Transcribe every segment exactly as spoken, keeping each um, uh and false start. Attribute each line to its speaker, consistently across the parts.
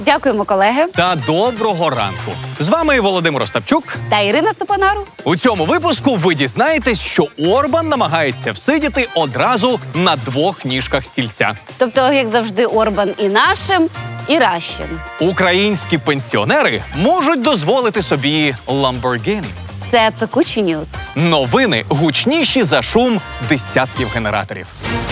Speaker 1: Дякуємо, колеги.
Speaker 2: Та доброго ранку. З вами Володимир Остапчук.
Speaker 1: Та Ірина Сопонару.
Speaker 2: У цьому випуску ви дізнаєтесь, що Орбан намагається всидіти одразу на двох ніжках стільця.
Speaker 1: Тобто, як завжди, Орбан і нашим, і ращим.
Speaker 2: Українські пенсіонери можуть дозволити собі Lamborghini.
Speaker 1: Це пекучі ньюз.
Speaker 2: Новини гучніші за шум десятків генераторів.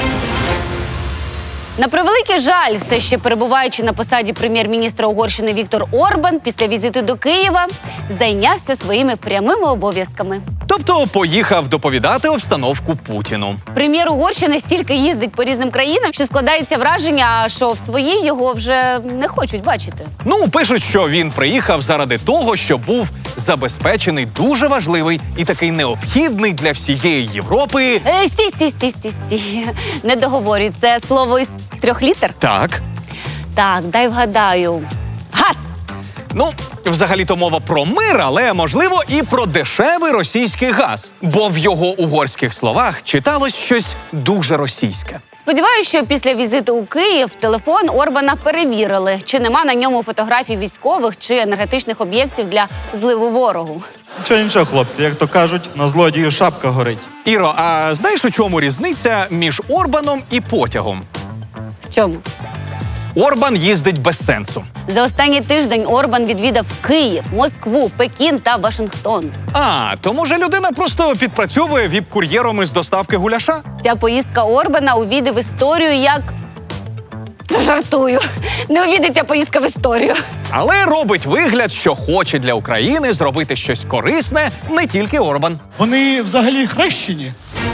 Speaker 1: На превеликий жаль, все ще перебуваючи на посаді прем'єр-міністра Угорщини Віктор Орбан після візиту до Києва зайнявся своїми прямими обов'язками.
Speaker 2: Тобто поїхав доповідати обстановку Путіну.
Speaker 1: Прем'єр Угорщини стільки їздить по різним країнам, що складається враження, що в своїй його вже не хочуть бачити.
Speaker 2: Ну, пишуть, що він приїхав заради того, що був забезпечений дуже важливий і такий необхідний для всієї Європи.
Speaker 1: Е, стій, стій, стій, стій, стій. Не договорюй, це слово із трьох літер?
Speaker 2: Так.
Speaker 1: Так, дай вгадаю. Газ!
Speaker 2: Ну, взагалі-то мова про мир, але, можливо, і про дешевий російський газ. Бо в його угорських словах читалось щось дуже російське.
Speaker 1: Сподіваюся, що після візиту у Київ телефон Орбана перевірили, чи нема на ньому фотографій військових чи енергетичних об'єктів для зливу ворогу.
Speaker 3: Нічого, нічого, хлопці, як то кажуть, на злодію шапка горить.
Speaker 2: Іро, а знаєш, у чому різниця між Орбаном і потягом?
Speaker 1: В чому?
Speaker 2: Орбан їздить без сенсу.
Speaker 1: За останній тиждень Орбан відвідав Київ, Москву, Пекін та Вашингтон.
Speaker 2: А, то може людина просто підпрацьовує віп-кур'єром із доставки гуляша?
Speaker 1: Ця поїздка Орбана увійде в історію як... Жартую. Не увійде ця поїздка в історію.
Speaker 2: Але робить вигляд, що хоче для України зробити щось корисне не тільки Орбан.
Speaker 4: Вони взагалі хрещені.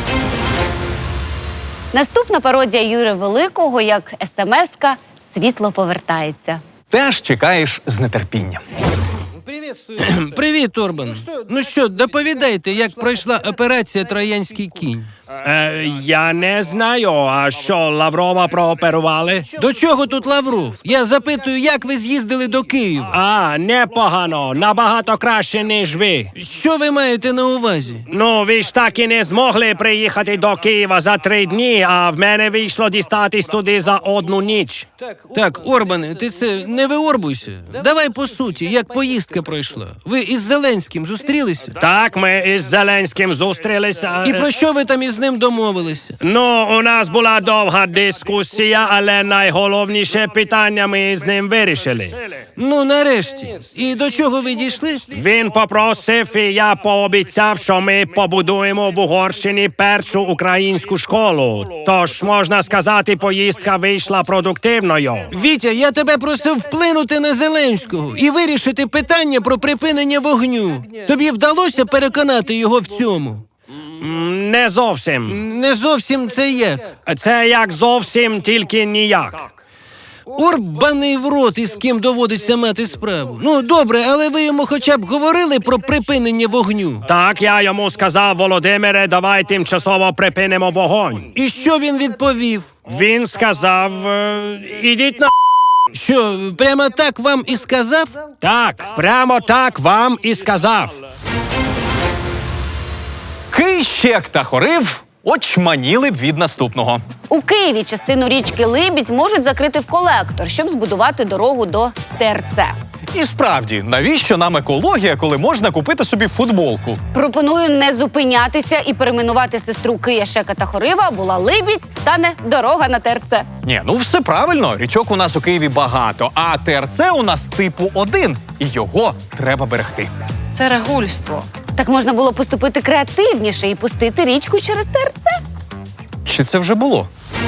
Speaker 1: Наступна пародія Юрія Великого як ес-ем-еска «Світло повертається».
Speaker 2: Теж чекаєш з нетерпінням.
Speaker 5: Привіт, Орбан. Ну що, доповідайте, як пройшла операція «Троянський кінь».
Speaker 6: Е, я не знаю, а що, Лаврова прооперували?
Speaker 5: До чого тут Лавров? Я запитую, як ви з'їздили до Києва?
Speaker 6: А, непогано, набагато краще, ніж ви.
Speaker 5: Що ви маєте на увазі?
Speaker 6: Ну, ви ж так і не змогли приїхати до Києва за три дні, а в мене вийшло дістатись туди за одну ніч.
Speaker 5: Так, Орбане, ти це не виорбуйся. Давай по суті, як поїздка пройшла. Ви із Зеленським зустрілися?
Speaker 6: Так, ми із Зеленським зустрілися.
Speaker 5: І про що ви там із ним домовилися?
Speaker 6: Ну, у нас була довга дискусія, але найголовніше питання ми з ним вирішили.
Speaker 5: Ну, нарешті. І до чого ви дійшли?
Speaker 6: Він попросив, і я пообіцяв, що ми побудуємо в Угорщині першу українську школу. Тож, можна сказати, поїздка вийшла продуктивною.
Speaker 5: Вітя, я тебе просив вплинути на Зеленського і вирішити питання про припинення вогню. Тобі вдалося переконати його в цьому?
Speaker 6: М, Не зовсім.
Speaker 5: Не зовсім це як.
Speaker 6: Це як зовсім, тільки ніяк.
Speaker 5: Орбаний в рот, із ким доводиться мати справу. Ну, добре, але ви йому хоча б говорили про припинення вогню?
Speaker 6: Так, я йому сказав: Володимире, давай тимчасово припинимо вогонь.
Speaker 5: І що він відповів?
Speaker 6: Він сказав: е, ідіть на...
Speaker 5: Що, прямо так вам і сказав?
Speaker 6: Так, прямо так вам і сказав.
Speaker 2: Кийщек та Хорив очманіли б від наступного.
Speaker 1: У Києві частину річки Либідь можуть закрити в колектор, щоб збудувати дорогу до те ер це.
Speaker 2: І справді, навіщо нам екологія, коли можна купити собі футболку?
Speaker 1: Пропоную не зупинятися і перейменувати сестру Кияшека та Хорива. Була Либідь, стане дорога на те ер це.
Speaker 2: Ні, ну все правильно, річок у нас у Києві багато, а те ер це у нас типу один, і його треба берегти.
Speaker 7: Це регульство.
Speaker 1: Так можна було поступити креативніше і пустити річку через те ер це.
Speaker 2: Чи це вже було?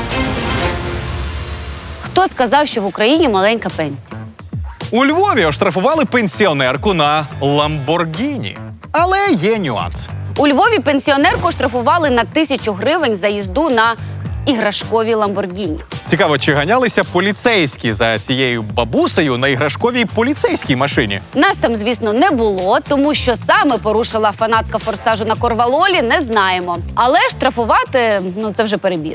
Speaker 1: Хто сказав, що в Україні маленька пенсія?
Speaker 2: У Львові оштрафували пенсіонерку на Ламборгіні. Але є нюанс.
Speaker 1: У Львові пенсіонерку штрафували на тисячу гривень за їзду на іграшковій Ламборгіні.
Speaker 2: Цікаво, чи ганялися поліцейські за цією бабусею на іграшковій поліцейській машині?
Speaker 1: Нас там, звісно, не було, тому що саме порушила фанатка форсажу на Корвалолі, не знаємо. Але штрафувати, ну це вже перебір.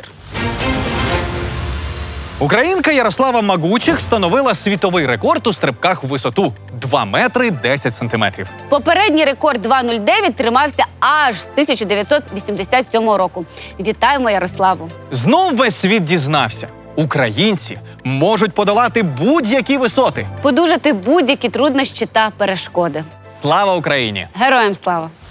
Speaker 2: Українка Ярослава Магучих встановила світовий рекорд у стрибках в висоту – два метри десять сантиметрів.
Speaker 1: Попередній рекорд два нуль дев'ять тримався аж з тисяча дев'ятсот вісімдесят сьомого року. Вітаємо Ярославу!
Speaker 2: Знов весь світ дізнався. Українці можуть подолати будь-які висоти.
Speaker 1: Подужати будь-які труднощі та перешкоди.
Speaker 2: Слава Україні!
Speaker 1: Героям слава!